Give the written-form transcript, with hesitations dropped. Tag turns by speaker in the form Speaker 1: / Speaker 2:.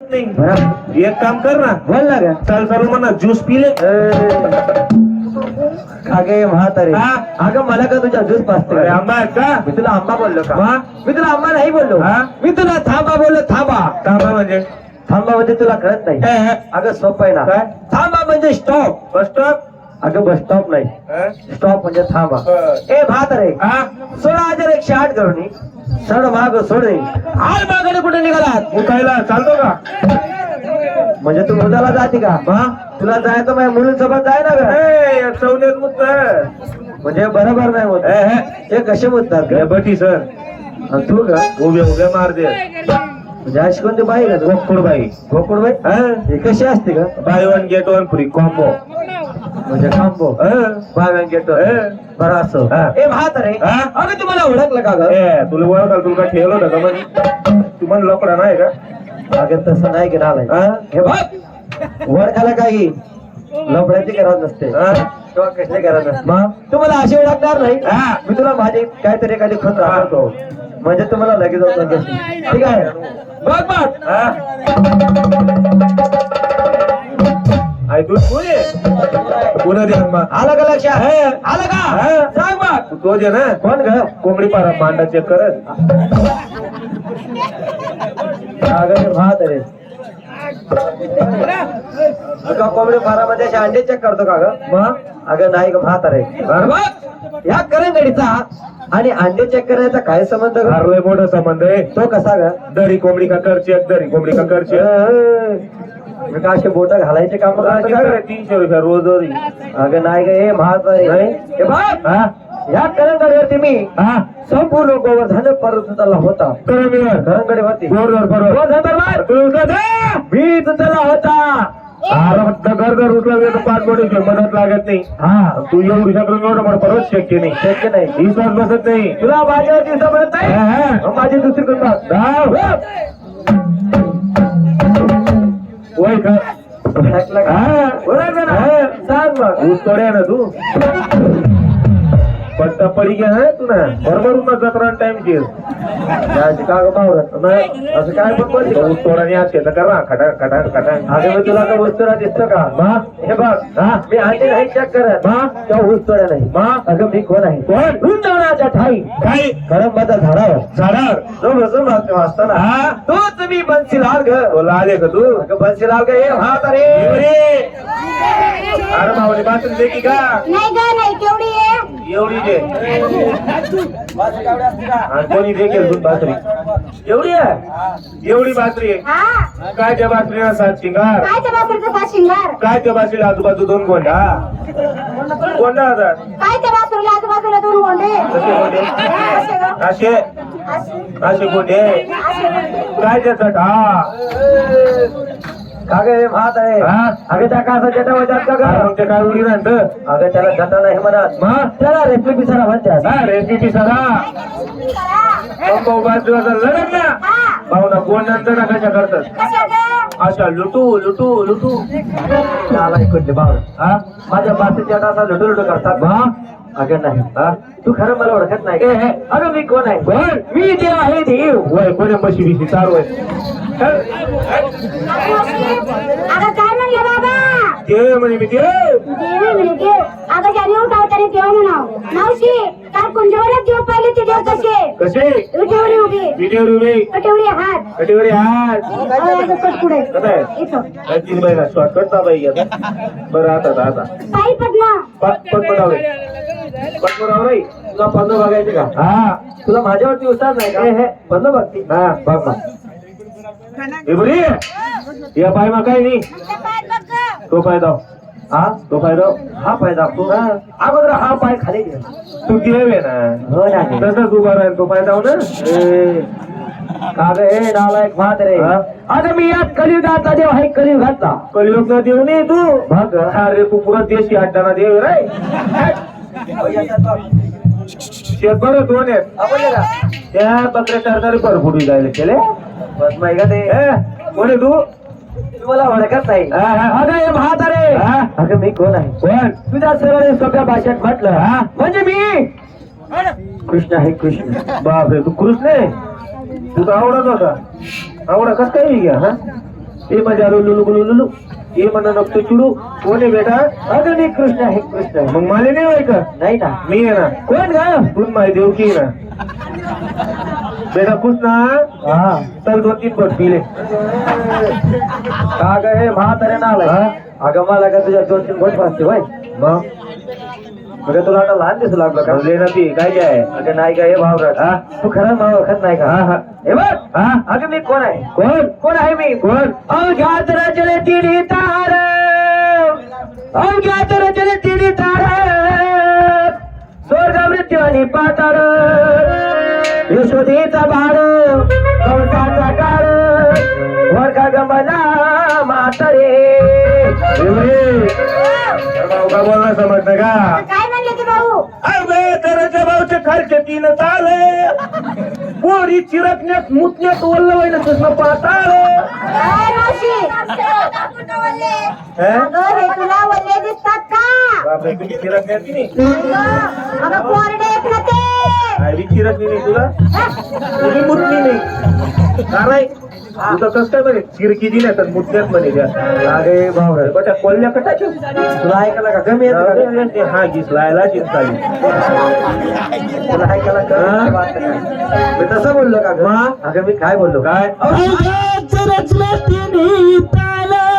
Speaker 1: एक काम कर ना,
Speaker 2: बोल ना ग.
Speaker 1: चल चालू म्हणा ज्यूस पिले.
Speaker 2: अगे म्हातारे, अगं मला का तुझ्या ज्यूस पाजते?
Speaker 1: आंबा आहेत का?
Speaker 2: मी तुला आंबा बोललो का?
Speaker 1: हा?
Speaker 2: मी तुला आंबा नाही बोललो. मी तुला थांबा बोललो. थांबा.
Speaker 1: थांबा म्हणजे
Speaker 2: थांबा म्हणजे तुला कळत नाही. अगं सोपं आहे ना.
Speaker 1: काय?
Speaker 2: थांबा म्हणजे स्टॉप.
Speaker 1: Bus stop.
Speaker 2: अगं बस स्टॉप नाही, स्टॉप म्हणजे थांबा. ए म्हातारे, 16,108 करून सड माग सोडे आल मागणे कुठे निघालात?
Speaker 1: मुकायला चालतो का?
Speaker 2: म्हणजे तू मुलाला जाते का? तुला जायचं माझ्या मुलींसोबत जाय ना ग.
Speaker 1: चौलेत मुद्द
Speaker 2: म्हणजे बरोबर नाही होत. ते कसे मुद्दात ग?
Speaker 1: बटी सर.
Speaker 2: आणि तू ग
Speaker 1: उभे मार दे.
Speaker 2: म्हणजे अशी कोणती बाई का?
Speaker 1: गोकुळबाई.
Speaker 2: गोकुळबाई हे कशी असते का?
Speaker 1: Buy one get one free combo.
Speaker 2: म्हणजे खांबो बाय गेट बरं असं. ए म्हातारे, अगं तुम्हाला ओळखलं का ग?
Speaker 1: तुला ओळखाल तुला काय ठेवलं होतं का? म्हणजे तू म्हण लोकडा नाही का?
Speaker 2: अगं तसं नाही की नालाय. हे बघ, ओळखायला काही लफड्याची गरज नसते किंवा कसली गरज नसते. मग तुम्हाला अशी ओळखणार नाही. मी तुला माझी काहीतरी एखादी खोट दाखवतो म्हणजे तुम्हाला लगेच ओळखणार. ठीक आहे, बघ बघ.
Speaker 1: ऐकून पुन्हा दे
Speaker 2: आलं का लक्षात? आलं का? सांग बघ.
Speaker 1: तो दे ना.
Speaker 2: कोण ग?
Speaker 1: कोंबडी पारा मांडा चेक करत.
Speaker 2: अगं म्हातारे, का कोंबडी फारामध्ये असे अंडे चेक करतो का ग? मग अगं नाही ग म्हातारे. या करंगडीचा आणि अंडे चेक करण्याचा काय संबंध?
Speaker 1: लय मोठा संबंध आहे.
Speaker 2: तो कसा ग?
Speaker 1: दरी कोंबडी का कर चेक, दरी कोंबडी का कर चेक.
Speaker 2: का असे बोट घालायचे काम करतो का?
Speaker 1: 300 रुपये रोज.
Speaker 2: अगं नाही ग हे म्हातारे. हे बघ, या करंगडीवरती मी संपूर्ण गोवर्धन पर्वताला होता. करंगडीवरती मी तुझला होता.
Speaker 1: घर उचला 5 कोटी मदत लागत नाही. तू येऊ शकलो मला परत शक्य नाही.
Speaker 2: शक्य नाही.
Speaker 1: विश्वास बसत नाही
Speaker 2: तुला माझ्यावरती समजत नाही. माझी दुसरी करतात
Speaker 1: वय का?
Speaker 2: सांग मग.
Speaker 1: ऊस तोड्या ना तू पट्टा पडी घ्या ना तू ना बरोबर जत्रा टाइम केस
Speaker 2: का ग बावरत असं काय पण बोलते?
Speaker 1: ऊस तोडाने आज शेत करा खटा खटा खटा.
Speaker 2: अगं मी तुला का ऊस तोडा दिसतो का? हे बघ, मी अंडे नाही चेक करत तेव्हा ऊस तोड्या नाही. अगं मी कोण आहे?
Speaker 1: कोण?
Speaker 2: वृंदावनाच्या ठाई
Speaker 1: काय
Speaker 2: करंबाच्या झाडावर
Speaker 1: जो
Speaker 2: बसून असताना तोच मी बन्सीलाल ग.
Speaker 1: बोला आले का तू?
Speaker 2: अगं बन्सीलाल ग. हे म्हातारे,
Speaker 1: अरे मावली बातरी दे की का?
Speaker 3: नाही ग, नाही. केवढी आहे?
Speaker 1: एवढी दे. आणि कोणी देखील दूध बाजरी
Speaker 2: एवढी आहे?
Speaker 1: एवढी बाजरी आहे.
Speaker 3: हा,
Speaker 1: काय त्या बाजरीला 7 शिंगार?
Speaker 3: काय त्या बासरीचा 5 शिंगार?
Speaker 1: काय त्या बाजरीला आजूबाजू 2 गोंडा? गोंडा होतात.
Speaker 3: काय त्या बासरीला आजूबाजूला 2 गोंडे?
Speaker 1: कसे गोंडे?
Speaker 3: असे ग.
Speaker 1: असे असे गोंडे. काय त्याचा
Speaker 2: का ग हे म्हातारे? अगं त्या का असं जटा वजात का ग?
Speaker 1: काय उडी राहतं?
Speaker 2: अगं त्याला जटा नाही म्हणत, त्याला रेसिपी सारा म्हणतात.
Speaker 1: रेसिपी सगळा लढत ना पाहुणा कोण नंतर कशा करतात?
Speaker 3: कशा ग?
Speaker 1: अशा लुटू लुटू लुटू.
Speaker 2: त्याला ऐकून माझ्या बाकीच्या जटा लुटू लुटू करतात. अगं नाही, तू खरं मला ओळखत नाही. अगं मी कोण आहे?
Speaker 1: कोण?
Speaker 2: मी देव आहे. देव
Speaker 1: वय कोणी म्हशी बिशी चालू आहे?
Speaker 3: अगं काय म्हणलं बाबा?
Speaker 1: ते म्हणे मी देव.
Speaker 3: देवी म्हणे देव. अगं ज्याने उठावताने देव म्हणाव. मावशी, काल कुंजवरात देव पाहिले ते देव कसे?
Speaker 1: कसे?
Speaker 3: विटेवरी उभी,
Speaker 1: विटेवर उभे,
Speaker 3: कटेवरी हात,
Speaker 1: कटेवरी हात.
Speaker 3: अगं कट पुढे इथं.
Speaker 1: 3 महिना शॉर्टकट दाबाई घ्या. बरं आता
Speaker 3: पायी पद्मा.
Speaker 1: पटपटावले पटपटावले.
Speaker 2: तुला पन्नो बघायचे का? तुला माझ्यावरती उस्ताद नाही का? पन्नो बघती. बघ बघ.
Speaker 1: या पाय मा काय नाही. तो पाय दाव. तो पाय दाव.
Speaker 2: हा पाय दाखवतो. अगोदर हा पाय खाली घे.
Speaker 1: तू देवे ना.
Speaker 2: हो नाही
Speaker 1: तसंच उभा राहील. तो पाय दाव ना.
Speaker 2: का ग हे नालायक म्हातारे? अगं मी यात कलियुगाचा देव आहे. कलियुगाचा.
Speaker 1: कलियुग ना देव नाही तू.
Speaker 2: बघ
Speaker 1: अरे तू पुरा देशी अड्डाना देव रे. शेत बरं 2 आहेत. त्या बकऱ्या सरकारी परफुटी जायला केले.
Speaker 2: बस माहिती का ते?
Speaker 1: कोणी तू?
Speaker 2: तुम्हाला ओळखत नाही. अगं हे म्हातारे, अगं मी कोण आहे?
Speaker 1: कोण?
Speaker 2: तुझ्या सरळ सोप्या भाषेत म्हटलं म्हणजे मी कृष्ण आहे. कृष्ण.
Speaker 1: बापरे, तू कृष्ण आहे? तू तर आवडत होता. आवडा कस काही घ्या. ए माझ्या लुलू लुलू ये म्हणा नको चिडू. कोण आहे बेटा?
Speaker 2: अगं मी कृष्ण आहे कृष्ण आहे.
Speaker 1: मग मला नाही होय का?
Speaker 2: नाही ना.
Speaker 1: मी आहे ना.
Speaker 2: कोण ग?
Speaker 1: तू माझी देवकी आहे ना. बेटा खुश ना?
Speaker 2: हा
Speaker 1: चल 2-3 बट पिले.
Speaker 2: का ग हे म्हातारे ना आलाय? अगं मला का तुझ्या 2-3 गोट वाजते होय.
Speaker 1: मग
Speaker 2: तुला आता लहान दिसू लागलं का?
Speaker 1: ले ना ती काय काय?
Speaker 2: अगं नाही का हे भावराज.
Speaker 1: हा
Speaker 2: तू खरं नाव ओळखत नाही का?
Speaker 1: हा हा
Speaker 2: हे बघ.
Speaker 1: हा
Speaker 2: अगं मी कोण आहे?
Speaker 1: कोण?
Speaker 2: कोण आहे मी?
Speaker 1: कोण?
Speaker 2: अवघ्यात रचले तिन्ही तार, अवघ्यात रचले तिन्ही तार, स्वर्ग मृत्यू आणि पाताळ, यशोदेचा बाळ, कंसाचा काळ, वर्गा गमला म्हातारे.
Speaker 1: भाऊ का बोलला समजतं का?
Speaker 3: काय म्हणले ते भाऊ?
Speaker 1: अरे त्याच्या भाऊचे खालचे 3 ताले पोरी चिरकण्यात मुतण्यात ओल्लं व्हायला तुझं पाताळ.
Speaker 3: काय मावशी? अगं हे तुला वल्ले दिसतात का?
Speaker 1: बापरे तुम्ही चिरकण्यात की नाही?
Speaker 3: अगं कोरडे आहेत ना ते.
Speaker 1: काय बी चिरकली नाही तुला? तुम्ही मुतली नाही का नाही? तुझं कसं काय म्हणे चिरकी दिल्या तर मुतण्यात म्हणे त्या.
Speaker 2: अरे भावराज
Speaker 1: बटा कोल्ह्या कटाच्या
Speaker 2: तुला ऐकायला का कमी येत का?
Speaker 1: हा घिसलायला चिंताली.
Speaker 2: तुला ऐकायला कमी वाटतं का? मी तसं बोललो का ग? अगं मी काय बोललो?
Speaker 1: काय?
Speaker 2: अवघ्यात रचले तिन्ही ताल,